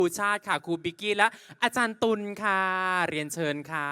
ครูชาติค่ะครูบิกกี้และอาจารย์ตุลค่ะเรียนเชิญค่ะ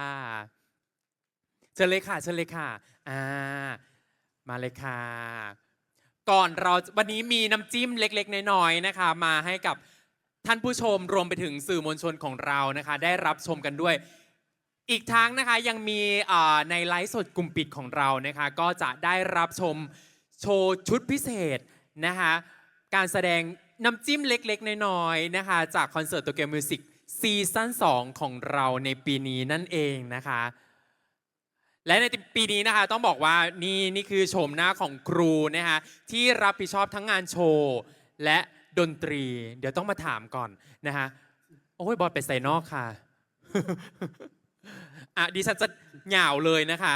เชิญเลยค่ะเชิญเลยค่ะอ่ามาเลยค่ะก่อนเราวันนี้มีน้ำจิ้มเล็กๆน้อยๆนะคะมาให้กับท่านผู้ชมรวมไปถึงสื่อมวลชนของเรานะคะได้รับชมกันด้วยอีกทั้งนะคะยังมีในไลฟ์สดกลุ่มปิดของเรานะคะก็จะได้รับชมโชว์ชุดพิเศษนะคะการแสดงน้ำจิ้มเล็กๆน้อยๆนะคะจากคอนเสิร์ตโตเกียวมิวสิกซีซั่น2ของเราในปีนี้นั่นเองนะคะและในปีนี้นะคะต้องบอกว่านี่คือโฉมหน้าของครูนะคะที่รับผิดชอบทั้งงานโชว์และดนตรีเดี๋ยวต้องมาถามก่อนนะคะโอ้ยบอสไปใส่นอกค่ะ ดิฉันจะเหงาเลยนะคะ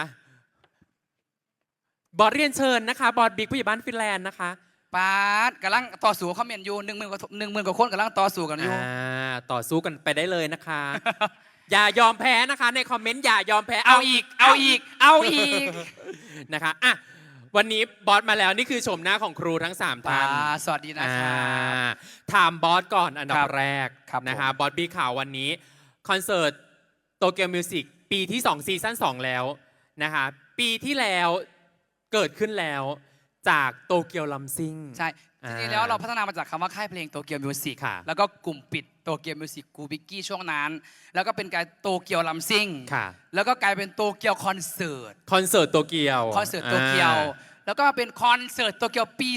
บอสเรียนเชิญนะคะบอสบิ๊กผู้ใหญ่บ้านฟินแลนด์นะคะปาดกำลังต่อสู้คอมเมนต์อยู่10,000 กว่าคนกำลังต่อสู้กันอยู่ต่อสู้กันไปได้เลยนะคะ อย่ายอมแพ้นะคะในคอมเมนต์อย่ายอมแพ้เอาอีกนะคะอ่ะวันนี้บอสมาแล้วนี่คือชมหน้าของครูทั้ง3ท่านสวัสดีนะคะถามบอสก่อนอันดับแรกครับนะคะบอสบีข่าววันนี้คอนเสิร์ตโตเกียวมิวสิกปีที่2ซีซั่น2แล้วนะคะปีที่แล้วเกิดขึ้นแล้วจากโตเกียวลัมซิ่งใช่จริงๆแล้วเราพัฒนามาจากคำว่าค่ายเพลงโตเกียวมิวสิกแล้วก็กลุ่มปิดโตเกียวมิวสิกกูบิกกี้ช่วงนั้นแล้วก็เป็นการโตเกียวลัมซิ่งแล้วก็กลายเป็นโตเกียวคอนเสิร์ตโตเกียวแล้วก็เป็นคอนเสิร์ตโตเกียวปี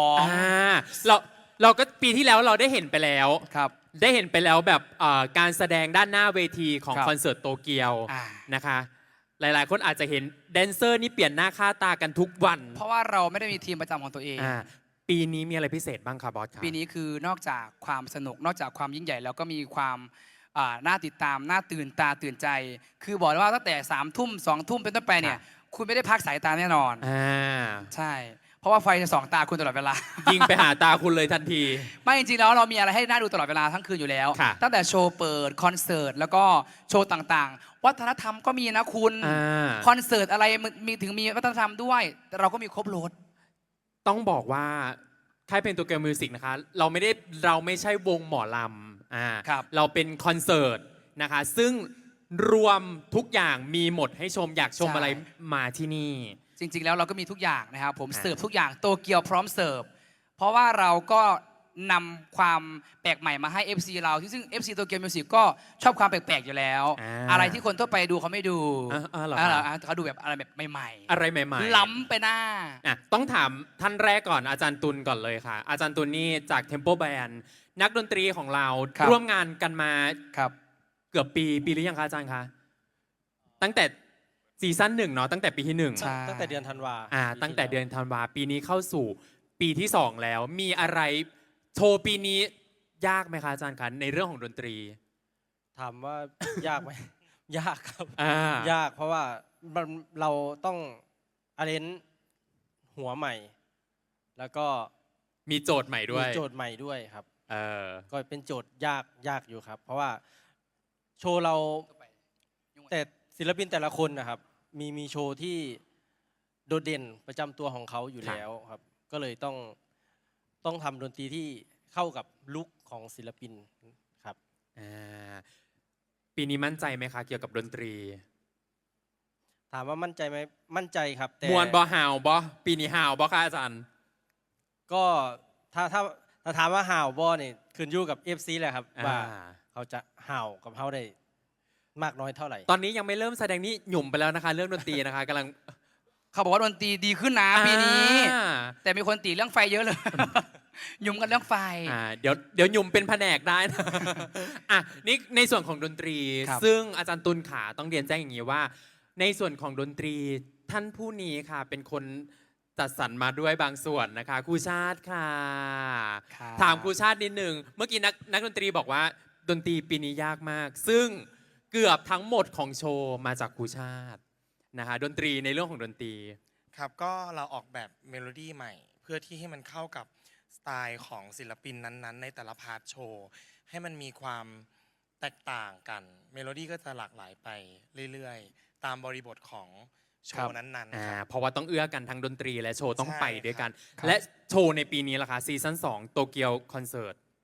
2 เราก็ปีที่แล้วเราได้เห็นไปแล้วครับได้เห็นไปแล้วแบบการแสดงด้านหน้าเวทีของคอนเสิร์ตโตเกียวนะคะหลายๆคนอาจจะเห็นแดนเซอร์นี่เปลี่ยนหน้าค่าตากันทุกวันเพราะว่าเราไม่ได้มีทีมประจำของตัวเองปีนี้มีอะไรพิเศษบ้างครับบอสครับปีนี้คือนอกจากความสนุกนอกจากความยิ่งใหญ่แล้วก็มีความน่าติดตามน่าตื่นตาตื่นใจคือบอกเลยว่าตั้งแต่3 ทุ่ม 2 ทุ่มเป็นต้นไปเนี่ยคุณไม่ได้พักสายตาแน่นอนใช่เพราะว่าไฟจะส่องตาคุณตลอดเวลายิงไปหาตาคุณเลยทันทีไม่จริงๆแล้วเรามีอะไรให้น่าดูตลอดเวลาทั้งคืนอยู่แล้วตั้งแต่โชว์เปิดคอนเสิร์ตแล้วก็โชว์ต่างๆวัฒนธรรมก็มีนะคุณคอนเสิร์ตอะไรมีวัฒนธรรมด้วยแต่เราก็มีครบรถต้องบอกว่าค่ายเพลงโตเกียวมิวสิกนะคะเราไม่ใช่วงหมอลำเราเป็นคอนเสิร์ตนะคะซึ่งรวมทุกอย่างมีหมดให้ชมอยากชมอะไรมาที่นี่จริงๆแล้วเราก็มีทุกอย่างนะครับผมเสิร์ฟทุกอย่างโตเกียวพร้อมเสิร์ฟเพราะว่าเราก็นำความแปลกใหม่มาให้ FC เราซึ่ง FC โตเกียวมิวสิกก็ชอบความแปลกๆอยู่แล้วอะไรที่คนทั่วไปดูเขาไม่ดูเขาดูแบบอะไรแบบใหม่ๆอะไรใหม่ๆล้ำไปหน้าต้องถามท่านแรกก่อนอาจารย์ตุลก่อนเลยค่ะอาจารย์ตุลนี่จาก Tempo Band นักดนตรีของเราร่วมงานกันมาเกือบปีหรือยังคะอาจารย์คะตั้งแต่ซีซั่น1เนาะตั้งแต่ปีที่1 ตั้งแต่เดือนธันวาตั้งแต่เดือนธันวาปีนี้เข้าสู่ปีที่2แล้วมีอะไรโชว์ปีนี้ยากไหมคะอาจารย์คะในเรื่องของดนตรีถามว่ายากไหมยากครับยากเพราะว่าเราต้องอาเรนหัวใหม่ แล้วก็มีโจทย์ใหม่ด้วยครับก็เป็นโจทย์ยากอยู่ครับเพราะว่าโชว์เราแต่ศิลปินแต่ละคนนะครับมีโชว์ที่โดดเด่นประจำตัวของเขาอยู่แล้วครับก็เลยต้องทำดนตรีที่เข้ากับลุคของศิลปินครับปีนี้มั่นใจไหมคะเกี่ยวกับดนตรีถามว่ามั่นใจไหมมั่นใจครับแต่มวนบอฮาวบอปีนี้ฮาวบอค่ะอาจารย์ก็ถ้าถามว่าฮาวบอเนี่ยขึ้นอยู่กับ FC แหละครับว่าเขาจะฮาวกับเขาได้มากน้อยเท่าไหร่ตอนนี้ยังไม่เริ่มแสดงนี่หยุ่มไปแล้วนะคะเรื่องดนตรีนะคะกำลังเขาบอกว่าดนตรีดีขึ้นนะปีนี้แต่มีคนตีเรื่องไฟเยอะเลยหยุ่มกันเรื่องไฟเดี๋ยวหยุ่มเป็นแผนกได้นะนี่ในส่วนของดนตรีซึ่งอาจารย์ตุลขาต้องเรียนแจ้งอย่างนี้ว่าในส่วนของดนตรีท่านผู้นี้ค่ะเป็นคนจัดสรรมาด้วยบางส่วนนะคะครูชาติค่ะถามครูชาตินิดนึงเมื่อกี้นักดนตรีบอกว่าดนตรีปีนี้ยากมากซึ่งเกือบทั้งหมดของโชว์มาจากครูชาตินะคะดนตรีในเรื่องของดนตรีครับก็เราออกแบบเมโลดี้ใหม่เพื่อที่ให้มันเข้ากับสไตล์ของศิลปินนั้นๆในแต่ละพาร์ทโชว์ให้มันมีความแตกต่างกันเมโลดี้ก็จะหลากหลายไปเรื่อยๆตามบริบทของโชว์นั้นๆเพราะว่าต้องเอื้อกันทั้งดนตรีและโชว์ต้องไปด้วยกันและโชว์ในปีนี้ล่ะคะซีซั่น2โตเกียวคอนเสิร์ต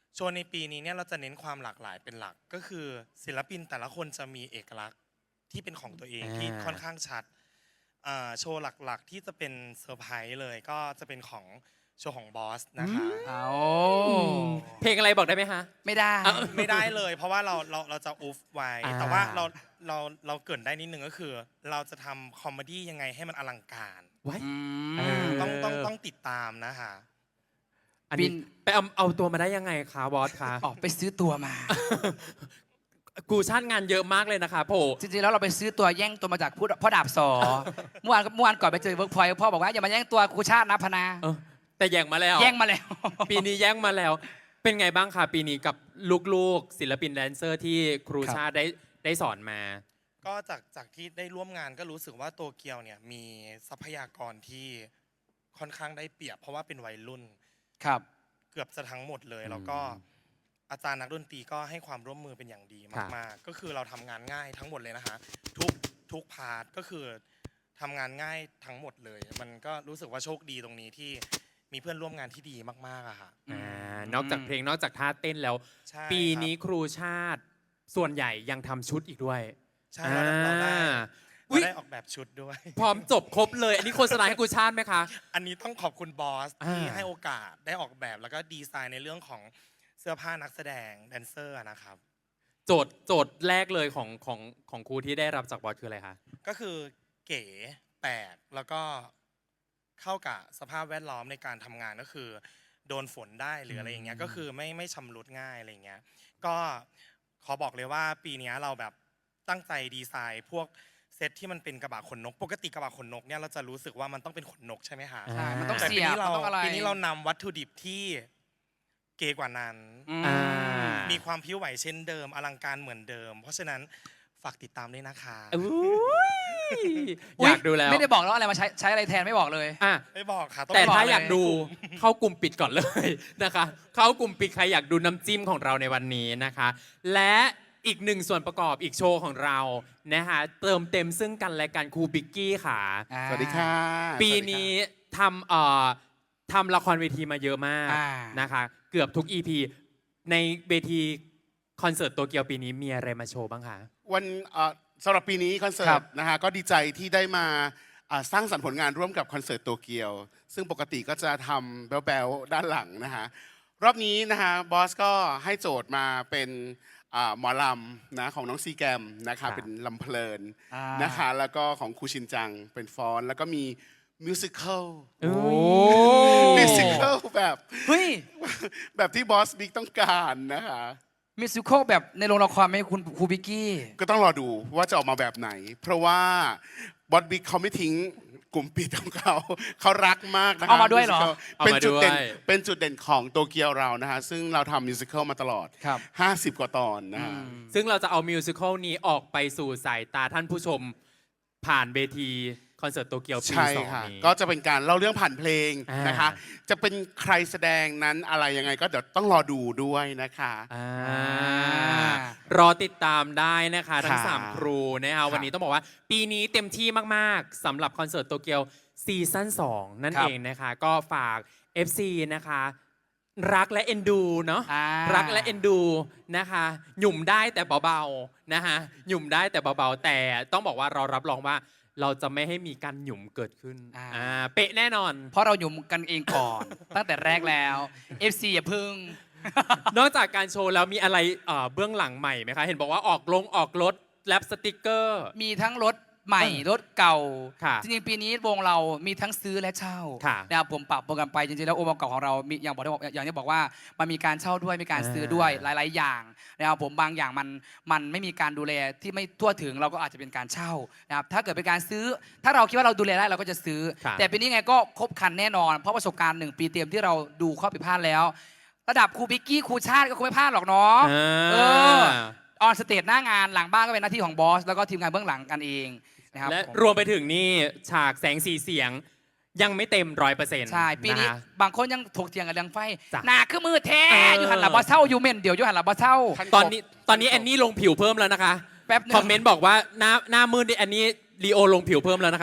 โชว์ในปีนี้เนี่ยเราจะเน้นความหลากหลายเป็นหลักก็คือศิลปินแต่ละคนจะมีเอกลักษณ์ที่เป็นของตัวเองที่ค่อนข้างชัดโชว์หลักๆที่จะเป็นเซอร์ไพรส์เลยก็จะเป็นของโชว์ของบอสนะคะเอาเพลงอะไรบอกได้ไหมคะไม่ได้ไม่ได้เลยเพราะว่าเราจะอุฟไว้อ่าแต่ว่าเราเกรินได้นิดนึงก็คือ เราจะทำคอมเมดี้ยังไงให้มันอลังการไว้อืมเออต้องติดตามนะคะอันนี้บินไปเอาตัวมาได้ยังไงคะบอสคะออกไปซื้อตัวมากูชาติงานเยอะมากเลยนะคะโผจริงๆแล้วเราไปซื้อตัวแย่งตัวมาจากพ่อดาบสอ เมื่อวานก่อนไปเจอเวิร์กพอยต์พ่อบอกว่าอย่ามาแย่งตัวครูชาตินะพนาเออแต่แย่งมาแล้วแย่งมาแล้วปีนี้แย่งมาแล้ว เป็นไงบ้างคะปีนี้กับลูกๆศิลปินแดนเซอร์ที่ครูชาติได้สอนมาก็จากที่ได้ร่วมงานก็รู้สึกว่าโตเกียวเนี่ยมีทรัพยากรที่ค่อนข้างได้เปรียบ เพราะว่าเป็นวัยรุ่นครับเกือบจะทั้งหมดเลยแล้วก็อาจารย์นักดนตรีก็ให้ความร่วมมือเป็นอย่างดีมากๆก็คือเราทำงานง่ายทั้งหมดเลยนะคะทุกพาร์ทก็คือทำงานง่ายทั้งหมดเลย มันก็รู้สึกว่าโชคดีตรงนี้ที่มีเพื่อนร่วมงานที่ดีมากๆอะค่ะนอกจากเพลงนอกจากท่าเต้นแล้วใช่ปีนี้ครับครูชาติส่วนใหญ่ยังทำชุดอีกด้วยใช่เราได้อุ๊ยออกแบบชุดด้วยพร้อมจบครบเลย อันนี้โฆษณาให้ครูชาติไหมคะอันนี้ต้องขอบคุณบอสที่อ่าให้โอกาสได้ออกแบบแล้วก็ดีไซน์ในเรื่องของเสื้อผ้านักแสดงแดนเซอร์นะครับโจทย์แรกเลยของครูที่ได้รับจากบอสคืออะไรคะก็คือเก๋แปลกแล้วก็เข้ากับสภาพแวดล้อมในการทำงานก็คือโดนฝนได้หรืออะไรอย่างเงี้ยก็คือไม่ชำรุดง่ายอะไรอย่างเงี้ยก็ขอบอกเลยว่าปีนี้เราแบบตั้งใจดีไซน์พวกเซตที่มันเป็นกระบะขนนกปกติกระบะขนนกเนี่ยเราจะรู้สึกว่ามันต้องเป็นขนนกใช่ไหมคะใช่มันต้องแต่เสีปียบนี้มันเราต้องอะไรปีนี้เรานำวัตถุดิบที่เก๋กว่านั้นอืมอ่ามีความพิ้วไหวเช่นเดิมอลังการเหมือนเดิม เพราะฉะนั้นฝากติดตามด้วยนะคะอุ๊ยอยากดูแล้วไม่ได้บอกแล้วอะไรมาใช้อะไรแทนไม่บอกเลยอ่ะไม่บอกค่ะองแต่ไปถ้าบกอยากดูเข้ากลุ่มปิดก่อนเลย นะคะ เข้ากลุ่มปิดใครอยากดูน้ำจิ้มของเราในวันนี้นะคะ และอีกหนึ่งส่วนประกอบอีกโชว์ของเรานะคะเติมเต็มซึ่งกันและกันครูบิกกี้ค่ะสวัสดีค่ะปีนี้ทำละครเวทีมาเยอะมากอ่านะคะ เกือบทุก EP ในเวทีคอนเสิร์ตโตเกียวปีนี้มีอะไรมาโชว์บ้างคะวันสำหรับปีนี้คอนเสิครัร์ตบนะฮะก็ดีใจที่ได้มาสร้างสรรค์ผลงานร่วมกับคอนเสิร์ตโตเกียว ซึ่งปกติก็จะทำแบ๊วๆด้านหลังนะฮะรอบนี้นะฮะบอสก็ให้โจทย์มาเป็นหมอลำนะของน้องซีแกมนะครัคะบเป็นลำเพลินอ่านะคะแล้วก็ของครูชินจังเป็นฟอนต์แล้วก็มีมิวสิควลโอ้มิวสิควลแบบเฮ้ยแบบที่บอสบิ๊กต้องการนะคะมิวสิควลแบบในโรงละครไหมคุณครูบิกกี้ก็ต้องรอดูว่าจะออกมาแบบไหน เพราะว่าบอสบิ๊กเขาไม่ทิ้งกลุ่มปิดของเขา เขารักมากนะคะเอามาด้วยเหรอ musical เอาเป็นมาจุดเด่นด้วยเป็นจุดเด่นของโตเกียวเรานะฮะซึ่งเราทำมิวสิควลมาตลอดครับ 50 กว่าตอนนะฮะซึ่งเราจะเอามิวสิควลนี้ออกไปสู่สายตาท่านผู้ชมผ่านเวทีคอนเสิร์ตโตเกียวปีใช่สองค่ะนี้ก็จะเป็นการเล่าเรื่องผ่านเพลงอ่านนะคะ จะเป็นใครแสดงนั้นอะไรยังไงก็เดี๋ยวต้องรอดูด้วยนะคะรอติดตามได้นะคะทั้งค่ะ 3 ครูนะคะวันนี้ต้องบอกว่า ปีนี้เต็มที่มากๆสำหรับคอนเสิร์ตโตเกียวซีซั่น2 นั่นครับเองนะคะ ก็ฝาก FC นะคะ รักและเอ็นดูเนาะอ่ารักและเอ็นดูนะคะ หยุ่มได้แต่เบาๆนะคะหยุ่มได้แต่เบาๆแต่ต้องบอกว่าเรารับรองว่าเราจะไม่ให้มีการหยุ่มเกิดขึ้นเป๊ะแน่นอนเพราะเราอยู่กันเองก่อน ตั้งแต่แรกแล้ว FC อย่าพึ่งนอกจากการโชว์แล้วมีอะไรเบื้องหลังใหม่ไหมคะ เห็นบอกว่าออกรถแรปสติกเกอร์มีทั้งรถใหม่รถเก่าค่ะจริงๆปีนี้วงเรามีทั้งซื้อและเช่าค่ะนะครับผมปรับโปรแกรมไปจริงๆแล้วองค์ประกอบของเรามีอย่างที่บอกว่ามันมีการเช่าด้วยมีการซื้อด้วยหลาย ๆ อย่างนะครับผมบางอย่างมันไม่มีการดูแลที่ไม่ทั่วถึงเราก็อาจจะเป็นการเช่านะครับถ้าเกิดเป็นการซื้อ ถ้าเราคิดว่าเราดูแลได้เราก็จะซื้อค่ะแต่ปีนี้ไงก็ครบครันแน่นอน เพราะประสบการณ์1 ปีเต็มที่เราดูข้อผิดพลาดแล้ว ระดับครูบิกกี้ครูชาติก็คงไม่พลาดหรอกเนาะ เออ ออนสเตจหน้างานหลังบ้านก็เป็นหน้าที่ของบอสแล้วก็ทีมงานเบื้องหลังกันเองนะครับและผมรวมไปถึงนี่ฉากแสงสีเสียงยังไม่เต็ม100% ใช่ปีนี้ะคะบางคนยังถกเถียงกับเรื่องไฟจ้ะหนาคือมือแท้เออออยู่หันหลับอเช่าอยู่เม่นเดี๋ยวอยู่หันหลับอเช่าตอนนี้แอนนี่ลงผิวเพิ่มแล้วนะคะแป๊บนึงคอมเมนต์บอกว่าหน้ามืดนี่แอนนี่ลีโอลงผิวเพิ่มแล้วนะคะ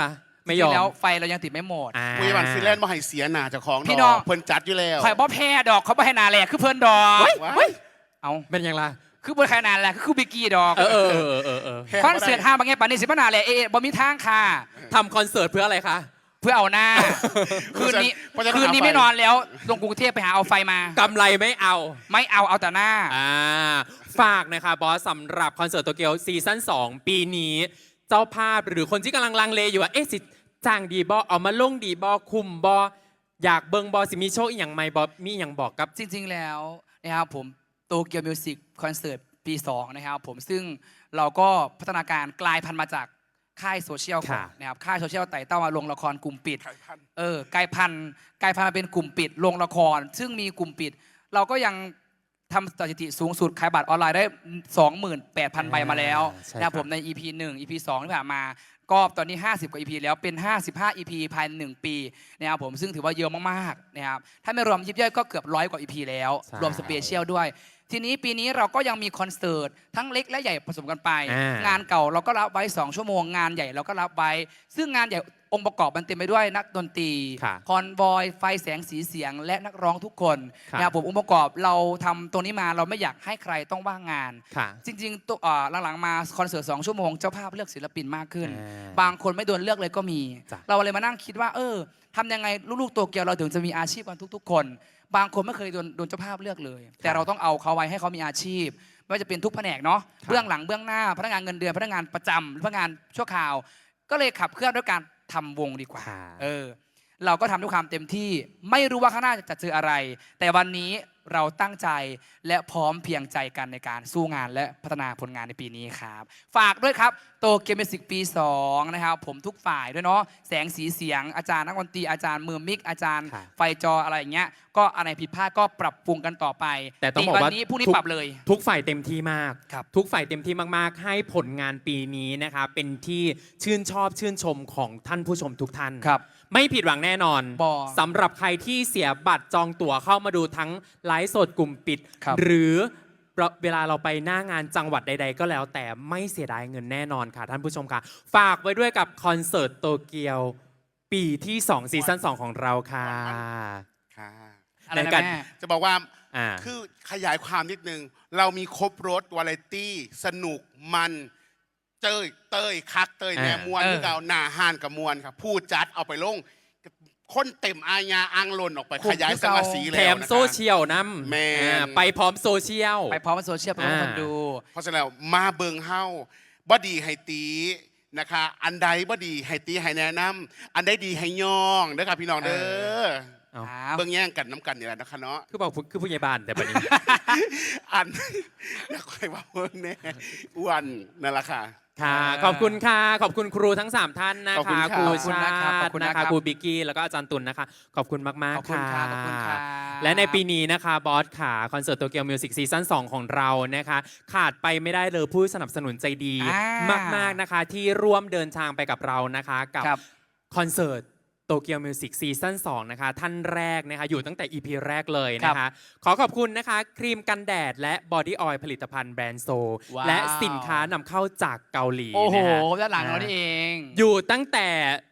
ไม่ยอมจริงๆแล้วไฟเรายังติดไม่หมดอ่าคุยวันฟินแลนด์มาให้เสียหนาเจ้าของพี่น้องเพิ่นจัดอยู่แล้วข่อยบ่แพ้ดอกเขาบ่ให้นาแหลกคือเพิ่นดอกว้ายเอาเป็นยังไงคือบ่ให้นาแหลกคือบิกกี้ดอกเออแพ้คอนเสิร์ตห้าบางแง่ปานนี้สิบ่นาแหลกบ่มีทางค่ะทำคอนเสิร์ตเพื่ออะไรคะเพื่อเอาหน้า คืนนี้เพราะฉะคืนนี้เอาฟไม่นอนแล้วลงกรุงเทพไปหาเอาไฟมากำไรไม่เอาไม่เอาแต่หน้าฝากนะคะบอสสำหรับคอนเสิร์ตโตเกียวซีซั่น2 ปีนี้ เจ้าภาพหรือคนที่กำลังลังเลอยู่ว่าเอ๊ะสิจ้างดีบอเอามาลงดีบอคุมบออยากเบิงบอสิมีโชว์อีกอย่างไหมบอมีอย่างบอกกับจริงๆแล้วนะครับผมโตเกียวมิวสิกคอนเสิร์ตปี 2 นะครับผมซึ่งเราก็พัฒนาการกลายพันธุ์มาจากค่ายโซเชียลก่อนค่ะนะครับค่ายโซเชียลไต่เต้ามาลงละครกลุ่มปิดไข่พันกลายพันธุ์มาเป็นกลุ่มปิดลงละคร ซึ่งมีกลุ่มปิด เราก็ยังทำสถิติสูงสุดขายบัตรออนไลน์ได้ 28,000 ใบมาแล้วใช่นะครับคผรับมใน EP 1 EP 2 ที่ผ่านมา ก็ตอนนี้ 50 กว่า EP แล้วเป็น 55 EP ภายใน1ปีนะครับผมซึ่งถือว่าเยอะมากๆนะครับถ้าไม่รวมยิบย่อยก็เกือบ100 กว่า EP แล้วใช่รวมสเปเชียลด้วย ทีนี้ปีนี้เราก็ยังมีคอนเสิร์ตทั้งเล็กและใหญ่ผสมกันไป งานเก่าเราก็รับไว้ 2 ชั่วโมงงานใหญ่เราก็รับไว้ ซึ่งงานใหญ่องค์ประกอบมันเต็มไปด้วยนักดนตรีค่ะคอนบอยไฟแสงสีเสียงและนักร้องทุกคนค่ะนะครับผมองค์ประกอบเราทำตรงนี้มาเราไม่อยากให้ใครต้องว่างงานค่ะจริงๆตัวหลังๆมาคอนเสิร์ต2 ชั่วโมงเจ้าภาพเลือกศิลปินมากขึ้นอ่าบางคนไม่โดนเลือกเลยก็มีจ้ะเราเลยมานั่งคิดว่าทำยังไงลูกๆโตเกียวเราถึงจะมีอาชีพกันทุกๆ คน บางคนไม่เคยโดนเจ้าภาพเลือกเลย แต่เราต้องเอาเขาไว้ให้เขามีอาชีพไม่ว่าจะเป็นทุกแผนกเนาะเบื้องหลังเบื้องหน้าพนักงานเงินเดือนพนักงานประจำพนักงานชั่วคราว ก็เลยขับเคลื่อนด้วยการทำวงดีกว่าค่ะเราก็ทำด้วยความเต็มที่ไม่รู้ว่าข้างหน้าจะเจออะไร แต่วันนี้เราตั้งใจและพร้อมเพรียงใจกันในการสู้งานและพัฒนาผลงานในปีนี้ครับ ฝากด้วยครับโตเกียวมิวสิกปี 2 นะครับผมทุกฝ่ายด้วยเนาะแสงสีเสียงอาจารย์นักดนตรีอาจารย์มือมิกอาจารย์ค่ะไฟจออะไรอย่างเงี้ยก็อะไรผิดพลาดก็ปรับปรุงกันต่อไปแต่ต้องบอกวัว่านี้พรุ่งนี้ทุกปรับเลยทุกฝ่ายเต็มที่มากครับทุกฝ่ายเต็มที่มากๆ ให้ผลงานปีนี้นะคะเป็นที่ชื่นชอบชื่นชมของท่านผู้ชมทุกท่านครับไม่ผิดหวังแน่นอนบ่สำหรับใครที่เสียบัตรจองตั๋วเข้ามาดูทั้งไลฟ์สดกลุ่มปิดครับหรือเวลาเราไปหน้างานจังหวัดใด ๆ ก็แล้วแต่ไม่เสียดายเงินแน่นอนค่ะท่านผู้ชมค่ะ ฝากไว้ด้วยกับคอนเสิร์ตโตเกียวปีที่ 2 ซีซั่น 2 ของเราค่ะค่ะอะไรในนะการแม่จะบอกว่าอ่าคือขยายความนิดนึง เรามีครบรถวาไรตี้ สนุกมันเต้ยคักเต้ยแน่มวนที่เราหนาหานกับมวนครับผู้จัดเอาไปลงคนเต็มอาญาอังลนออกไปคุ้มขยายสังกะสีแถแล้วมนะคะโซเชียลน้แม่นำไปพร้อมโซเชียลไปพร้อมกับโซเชียลไปพร้อมกับคนดูเพราะฉะนั้นแล้วมาเบิงเฮาบดีให้ตีนะคะ อันใดบดีให้ตีให้แนะนำอันใดดีให้ย่องนะคะพี่น้องเด้อเอาเบิ่งแย่งกันน้ำกันนี่แหละนะคะเนาะคือบอกคือผู้ใหญ่บ้านแต่บัดนี้อัน นักใครว่าเบิ่งแน่อ้วนนั่นแหละค่ะค่ะ ขอบคุณค่ะ ขอบคุณครูทั้ง 3 ท่านนะขอบคุคะณค่ะครูขอบคุณชานะครับขอบติคุณนะนะครับคะครูบิกกี้แล้วก็อาจารย์ตุลนะคะ ขอบคุณมากขอบๆคุณค่ะครับขอบคุณครับและในปีนี้นะคะบอสค่ะคอนเสิร์ตโตเกียวมิวสิกซีซั่น2ของเรานะคะ ขาดไปไม่ได้เลยผู้สนับสนุนใจดี มากๆนะคะ ที่ร่วมเดินทางไปกับเรานะคะ กับครับคอนเสิร์ตโตเกียวมิวสิกซีซั่น2นะคะท่านแรกนะคะอยู่ตั้งแต่ EP แรกเลยนะคะ ขอขอบคุณนะคะ ครีมกันแดดและบอดี้ออยล์ผลิตภัณฑ์แบรนด์โซว้าวและสินค้านำเข้าจากเกาหลีโอ้โหนะฮะด้านหลังเรานี่เองอยู่ตั้งแต่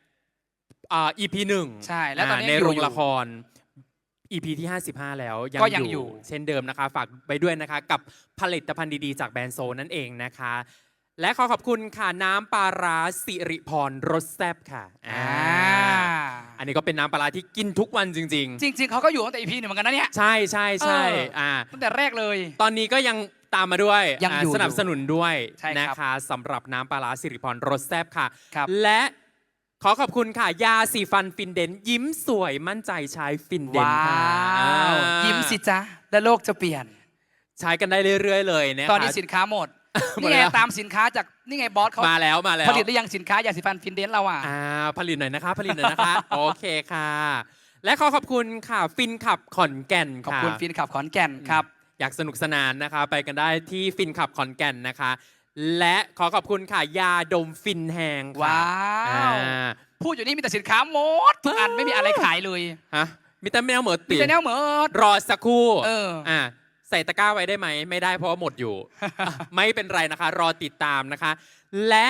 EP 1 ใช่แล้วตอนนี้ในอยู่โรงละคร EP ที่ 55 แล้วก็ยังอยู่เช่นเดิมนะคะ ฝากไปด้วยนะคะ กับผลิตภัณฑ์ดีๆ จากแบรนด์โซนั่นเองนะคะ และขอขอบคุณค่ะ น้ำปลาร้าสิริพรรสแซ่บค่ะอันนี้ก็เป็นน้ำปลาร้าที่กินทุกวันจริงจริง ๆเขาก็อยู่ตั้งแต่ EP 1เหมือนกันนะเนี่ยๆ ใช่ใช่ใช่ตั้งแต่แรกเลยตอนนี้ก็ยังตามมาด้วยยังอยู่สนับสนุนด้วยใช่ครับนะคะสำหรับน้ำปลาร้าสิริพรรสแซ่บค่ะครับและขอขอบคุณค่ะ ยาสีฟันฟินเดนยิ้มสวยมั่นใจใช้ฟินเดนว้าค่ะวยิ้มสิจ๊ะและโลกจะเปลี่ยนใช้กันได้เรื่อยๆเลยนะคะตอนนี้สินค้าหมดหมดนี่ไงแล้วตามสินค้าจากนี่ไงบอสเขามาแล้วมาแล้วผลิตหรือยังสินค้ายาสีฟันฟินเดนเราอ่ะผลิตหน่อยนะคะ ผลิตหน่อยนะคะ โอเคค่ะ และขอขอบคุณค่ะฟินขับขอนแก่นขอบค่ะคุณฟินขับขอนแก่นครับอยากสนุกสนานนะคะ ไปกันได้ที่ฟินขับขอนแก่นนะคะ และขอขอบคุณค่ะ ยาดมฟินแหงค่ะว้าวอ่าพูดอยู่นี่มีแต่สินค้าหมดทุกอันไม่มีอะไรขายเลยฮะมีแต่แมวเหมือดมีติแต่แนวเหมือดรอสักครู่ ใส่ตะกร้าไว้ได้ไหม ไม่ได้เพราะว่าหมดอยู่ ไม่เป็นไรนะคะ รอติดตามนะคะ และ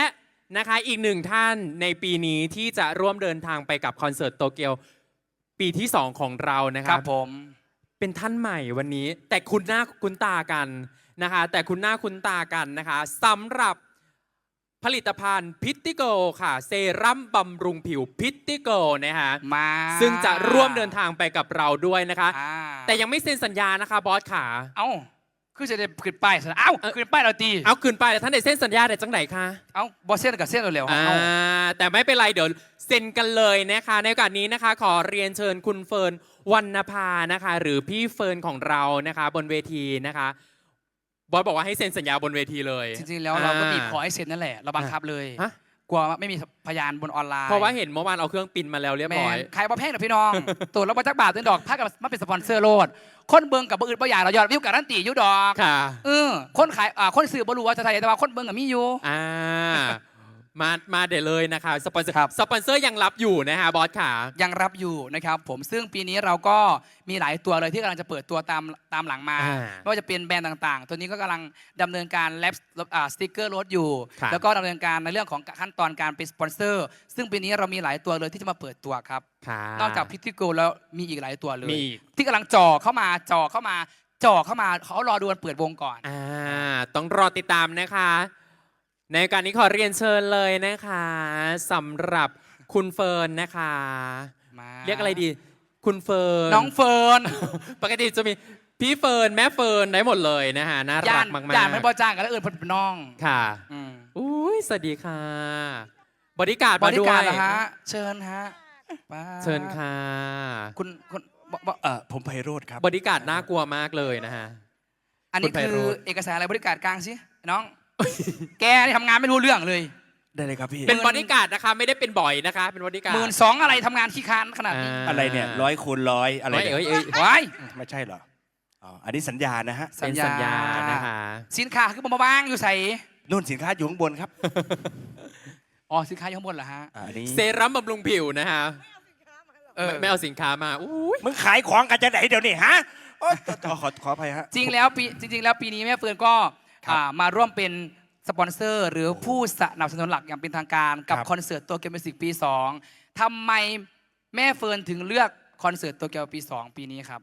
นะคะอีกหนึ่งท่านในปีนี้ที่จะร่วมเดินทางไปกับคอนเสิร์ตโตเกียวปีที่ 2 ของเรานะคครัรับ บผมเป็นท่านใหม่วันนี้ แต่คุณหน้าคุ้นตากันนะคะ แต่คุณหน้าคุ้นตากันนะคะสำหรับผลิตภัณฑ์พิตติโกค่ะ เซรั่มบำรุงผิวพิตติโกนะคะมาซึ่งจะร่วมเดินทางไปกับเราด้วยนะคะอ่าแต่ยังไม่เซ็นสัญญานะคะบอสขาเอ้าคือจะได้ขึ้นป้ายซะนะเอ้าขึ้นป้ายเราตีเอาคืนไปแต่ท่านได้เซ็นสัญญาได้จังไหนคะเอ้าบอสเส้นกับเส้นเร็วๆอ่าเอ้าแต่ไม่เป็นไรเดี๋ยวเซ็นกันเลยนะคะ ในโอกาสนี้นะคะ ขอเรียนเชิญคุณเฟิร์นวรรณภานะคะ หรือพี่เฟิร์นของเรานะคะ บนเวทีนะคะบอสบอกว่าให้เซ็นสัญญาบนเวทีเลยจริงๆแล้วเราก็บีบขอให้เซ็นนั่นแหละเราบังคับเลยฮะกลัวว่าไม่มีพยานบนออนไลน์เพราะว่าเห็นเมื่อวานเอาเครื่องปินมาแล้วเรียบแมร้อน ยใครบ่แพงหรอพี่น้อง ตัวเราบ่จักบาทตัวดอกถ้ากับมาเป็นสปอนเซอร์โลดคนเบิ่งกับบ่อื่นบ่อย่างเรายอดวิวการันตีอยู่ดอกค่ะคนขายคนซื้อบ่รู้ว่าจะไทยแต่ว่าคนเบิ่งกับมีอยู่อ่ามาเดี๋ยวเลยนะคะสปอนเซอร์ครับสปอนเซอร์ยังรับอยู่นะคะบอสขายังรับอยู่นะครับผมซึ่งปีนี้เราก็มีหลายตัวเลยที่กำลังจะเปิดตัวตามหลังมา ไม่ว่าจะเป็นแบรนด์ต่างๆ ตัวนี้ก็กำลังดำเนินการแลบสติกเกอร์รถอยู่ครับแล้วก็ดำเนินการในเรื่องของขั้นตอนการเป็นสปอนเซอร์ ซึ่งปีนี้เรามีหลายตัวเลยที่จะมาเปิดตัวครับค่ะนอกจากพิทิโกแล้วมีอีกหลายตัวเลยมีอีกที่กำลังจ่อเข้ามาเขารอดูวันเปิดวงก่อนต้องรอติดตามนะคะ ในการนี้ขอเรียนเชิญเลยนะคะสำหรับคุณเฟิร์นนะคะมาเรียกอะไรดี คุณเฟิร์นน้องเฟิร์นปกติจะมีพี่เฟิร์นแม่เฟิร์นได้หมดเลยนะฮะน่ารักมากย่านไม่บอจ้างกันแล้วเอื่นเพิ่นเป็นน้องๆค่ะอืมอุ้ยสวัสดีค่ะบริการดบมาริด้วยการเหรอฮะเชิญฮะไปเชิญค่ะคุณผมไพโรธครับบริการดน่ากลัวมากเลยนะฮะอันนี้คุณไพคือโรจน์เอกสารอะไรบริการกลางสิน้อง แกนี่ทำงานไม่รู้เรื่องเลยได้เลยครับพี่เป็นบริการดนะคะ ไม่ได้เป็นบ่อยนะคะ เป็นบริการด 12,000อะไรทำงานขี้ค้านขนาดนี้อะไรเนี่ย100 คูณ 100อะไรเนี่ยเอ้ยว้ายไม่ใช่เหรออ๋ออันนี้สัญญานะฮะเป็นสัญญานะคะสินค้าคือมาบ้างอยู่ใส่นู่นสินค้าอยู่ข้างบนครับอ๋อสินค้าอยู่ข้างบนเหรอฮะอันนี้เซรั่มบำรุงผิวนะคะเออไม่เอาสินค้ามาอุ้ยมึงขายของกันจะไหนเดี๋ยวนี้ฮะโอ๊ยขออภัยฮะจริงแล้วปีนี้แม่เฟิร์นก็ครับมาร่วมเป็นสปอนเซอร์ หรือผู้สนับสนุนหลักอย่างเป็นทางการกับครับคอนเสิร์ตโตเกียวมิวสิกปี 2ทำไมแม่เฟิร์นถึงเลือกคอนเสิร์ตโตเกียวปี 2 ปีนี้ครับ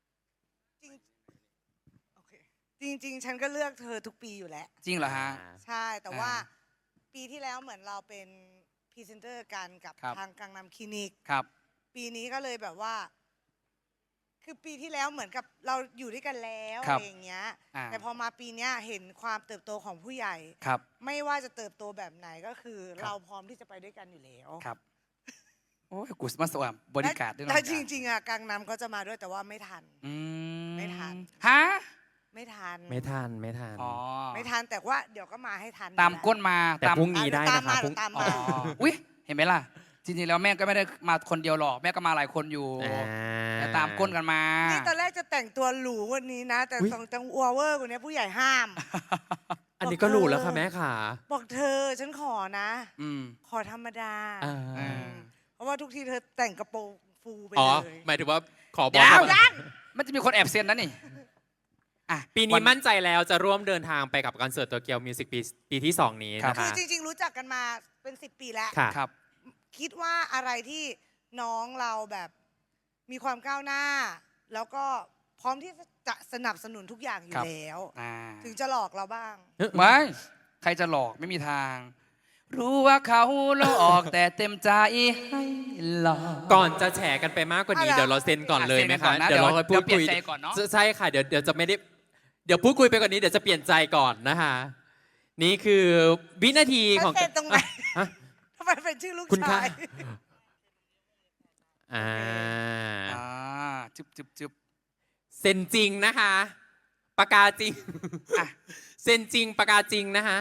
โอเคจริง ๆ ฉันก็เลือกเธอทุกปีอยู่แล้วจริงเหรอฮะใช่แต่ว่าอ่าปีที่แล้วเหมือนเราเป็นพรีเซนเตอร์กันกับครับทางกังนำคลินิกครับปีนี้ก็เลยแบบว่า คือปีที่แล้วเหมือนกับเราอยู่ด้วยกันแล้วครัอะบไรอย่างเงี้ยอ่าแต่พอมาปีเนี้ยเห็นความเติบโตของผู้ใหญ่ครับไม่ว่าจะเติบโตแบบไหนก็คือ เราพร้อมที่จะไปด้วยกันอยู่แล้วครับโอ้ยกูสมาสวมบริการด้วยแต่จริง ๆอ่ะกังนำก็จะมาด้วยแต่ว่าไม่ทันอืไม่ทันฮะไม่ทันไม่ทันไม่ทันอ๋อไม่ทันแต่ว่าเดี๋ยวก็มาให้ทันตามก้นมาแต่พรุ่งนี้ได้ตามนะคะมาพรุ่งตามอ๋อมาอุ้ยเห็นไหมล่ะ จริงๆแล้วแม่ก็ไม่ได้มาคนเดียวหรอกแม่ก็มาหลายคนอยู่ แต่ตามก้นกันมานี่ตอนแรกจะแต่งตัวหรูกวันนี้นะ แต่อุ๊ยต้องจังอัวเวอร์กว่านี้ผู้ใหญ่ห้ามอันนี้ก็รู้แล้วค่ะแม่ขาบอกเธอฉันขอนะอืมขอธรรมดาอ่าอ่าเพราะว่าทุกทีเธอแต่งกระโปรงฟูไปอ๋อเลยหมายถึงว่าขอบอเดี๋ยวกมันจะมีคนแอบเซ็นนะนี่อ่ะปีนี้มั่นใจแล้วจะร่วมเดินทางไปกับคอนเสิร์ตโตเกียวมิวสิกปีที่ 2 นี้นะคือคะจริง ๆ รู้จักกันมาเป็น 10 ปีแล้วค่ะครับคิดว่าอะไรที่น้องเราแบบมีความก้าวหน้า แล้วก็พร้อมที่จะสนับสนุนทุกอย่างอยู่ครับแล้วอ่าถึงจะหลอกเราบ้างไม่ใครจะหลอกไม่มีทาง รู้ว่าเขาหลอกแต่เต็มใจให้หลอกก่อนจะแฉกันไปมากกว่านี้เอาล่ะเดี๋ยวเราเซ็นก่อนเลยไหมเซ็นก่คะอนนะเดี๋ยวเราเดี๋ยวพูดคุยเปลี่ยนใจก่อนเนอะใช่ค่ะเดี๋ยวจะไม่ได้เดี๋ยวพูดคุยไปกว่านี้เดี๋ยวจะเปลี่ยนใจก่อนนะคะ นี่คือวินาทีของมันเซ็นตรงไหนฮะทำไมเป็นชื่อลูกคุณคะชายอ่าอ่าจึบเซ็นจริงนะคะปากกาจริงอ่ะเซ็นจริงปากกาจริงนะคะ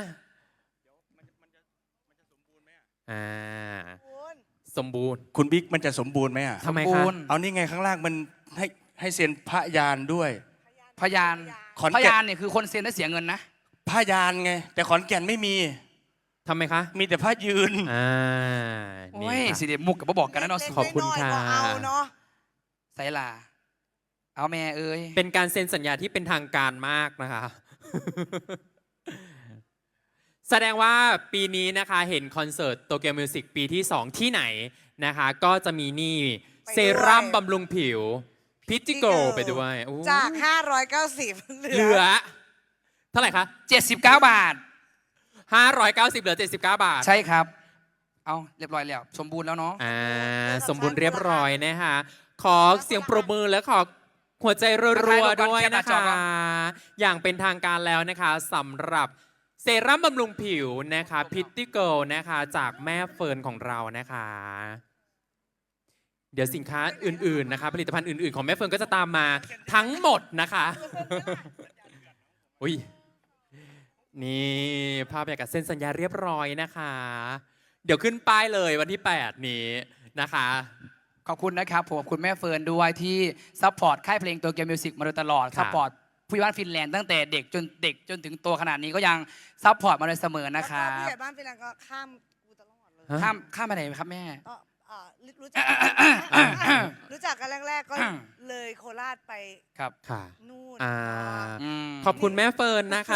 อ่าคุณสมบูรณ์คุณบิ๊กมันจะสมบูรณ์ไหมอ่ะทำไมบูคะรณ์เอานี่ไงข้างล่างมันให้เซ็นพระยานด้วยพยานขอนพแก่ยานนเนี่ยคือคนเซ็นได้เสียเงินนะพระยานไง แต่ขอนแก่นไม่มีทำไมคะมีแต่พระยืนอ่าโอ้นี่ยค่ะสิเดมุกกับบอกกันนะเนาะเล็กๆขอบคุณน้ยๆค่ะก็เอาเนาะไซลา เอาแม่เอ้ยเป็นการเซ็นสัญญาที่เป็นทางการมากนะคะแสดงว่าปีนี้นะคะเห็นคอนเสิร์ตโตเกียวมิวสิกปีที่ 2 ที่ไหนนะคะ ก็จะมีนี่เซรั่มบำรุงผิวพิติโกไปด้วยโอ้จาก 590 เหลือ เท่าไหร่คะ 79 บาท 590เหลือ 79 บาทใช่ครับ เอาเรียบร้อยแล้ว สมบูรณ์แล้วเนาะสมบูรณ์เรียบร้อยนะคะขอเสียงปรบมือและขอหัวใจรัวๆด้วยนะคะ อย่างเป็นทางการแล้วนะคะสำหรับเซรั่มบำรุงผิวนะคะพิตตี้เกิลนะคะจากแม่เฟิร์นของเรานะคะ เดี๋ยวสินค้าอื่นๆนะคะผลิตภัณฑ์อื่นๆของแม่เฟิร์นก็จะตามมาทั้งหมดนะคะ อุ้ยนี่ภาพบรรยากาศเซ็นสัญญาเรียบร้อยนะคะ เดี๋ยวขึ้นป้ายเลยวันที่ 8 นี้นะคะขอบคุณนะครับผมขอบคุณแม่เฟิร์นด้วยที่ซัพพอร์ตค่ายเพลงโตเกียวมิวสิกมาโดยตลอดค่ะซัพพอร์ตผู้ใหญ่บ้านฟินแลนด์ตั้งแต่เด็กจนถึงโตขนาดนี้ก็ยังซัพพอร์ตมาโดยเสมอนะคแล้วรัก็ผู้บใหญ่บ้านฟินแลนด์ก็ข้ามกูตลอดเลยฮะข้ามไปไหนครับแม่ก็รู้จัก รู้จักกันแรก ๆ ก็เลยโคราชไปครับค่ะนู่นอ่ามขอบคุณแม่เฟิร์นนะคะ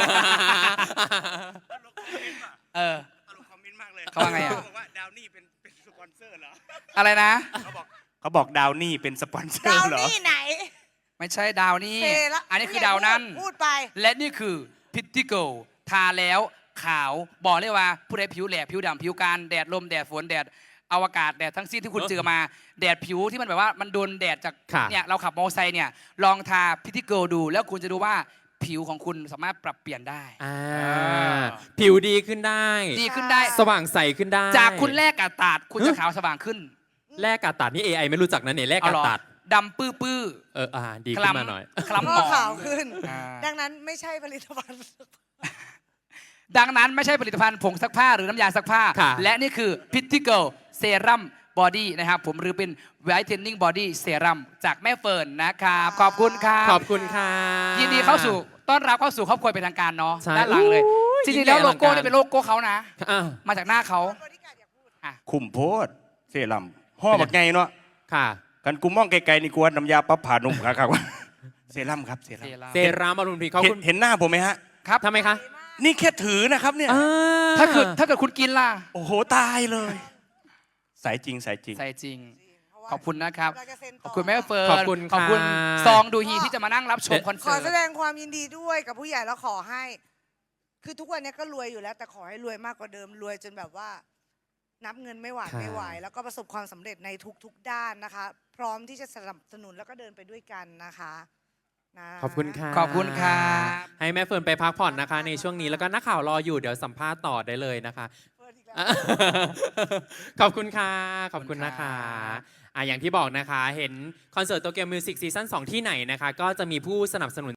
เออตลกคอมเมนต์มากเลยเขาว่าไงอะบอกว่าดาวนี่เป็นสปอนเซอร์เหรออะไรนะเขาบอกดาวนี่เป็นสปอนเซอดาวร์เหรอนี่ไหนไม่ใช่ดาวนี่เซละอันนี้คือดาวนั่นพูดไปและนี่คือพิตติโกทาแล้วขาวบอกเลยว่าผู้ใดผิวแหลกผิวดำผิวการแดดลมแดดฝนแดดอวกาศแดดทั้งสิ้นที่คุณเจอมาแดดผิวที่มันแบบว่ามันโดนแดดจากค่ะเนี่ยเราขับมอเตอร์ไซค์เนี่ยลองทาพิตติโกดูแล้วคุณจะดูว่าผิวของคุณสามารถปรับเปลี่ยนได้ผิวดีขึ้นได้ดีขึ้นได้สว่างใสขึ้นได้จากคุณแรกกาตาดคุณจะขาวสว่างขึ้นแลกกาตัดนี่ AI ไม่รู้จักนะเนี่ยแลกเอากาเหรอตัดดำปื้อดีๆขึ้นมาหน่อยคล้ำหมก็องขาวขึ้นอ่าดังนั้นไม่ใช่ผลิตภัณฑ์ดังนั้นไม่ใช่ผลิตภัณฑ์ผงซักผ้าหรือน้ำยาซักผ้าค่ะและนี่คือพิตติเกิลเซรั่มบอดี้นะครับผมหรือเป็นไวท์เทนนิ่งบอดี้เซรั่มจากแม่เฟิร์นนะครับขอบคุณครับขอบคุณค่ะยินดีต้อนรับเข้าสู่ครอบครัวเป็นทางการเนาะใช่ด้านหลังเลยอุ๊ยจริงๆแล้วยิ่งใหญ่โลโก้อลังการเนี่ยเป็นโลโก้เขานะอ่ะมาจากหน้าเขาคุมโพดเซรั่มห่อบักไงเนาะค่ะกันกูมองไกลๆนี่กวนน้ำยาปั๊บผ่านุ่มครับ เซรั่มครับเซรั่มเซรั่มบำรุงผิวเขาเห็นคุณเห็นหน้าผมไหมฮะครับทำไมคะนี่แค่ถือนะครับเนี่ยถ้าเกิดคุณกินล่ะโอ้โหตายเลยสายจริงสายจริงใส่จริง ขอบคุณนะครับเราจะเซ็นต่ขอบคุณแม่เฟิร์นขอบคุณขอบคุณค่ะซองดูฮีที่จะมานั่งรับชมคอนขเสิอร์แสตดงความยินดีด้วยกับผู้ใหญ่แล้วขอให้ คือทุกวันนี้ก็รวยอยู่แล้ว แต่ขอให้รวยมากกว่าเดิมรวยจนแบบว่า นับเงินไม่หวาดค่ะไม่ไหว แล้วก็ประสบความสำเร็จในทุกๆด้านนะคะ พร้อมที่จะสนับสนุนแล้วก็เดินไปด้วยกันนะคะนะขอบคุณค่ะขอบคุณครับให้แม่เฟิร์นไปพักผ่อนนะคะ ในช่วงนี้แล้วก็นักข่าวรออยู่เดี๋ยวสัมภาษณ์ต่อได้เลยนะคะเฟิร์นอีกแล้วขอบคุณค่ะ ขอบคุณนะคะอย่างที่บอกนะคะ เห็นคอนเสิร์ตโตเกียวมิวสิกซีซั่น2ที่ไหนนะคะ ก็จะมีผู้สนับสนุน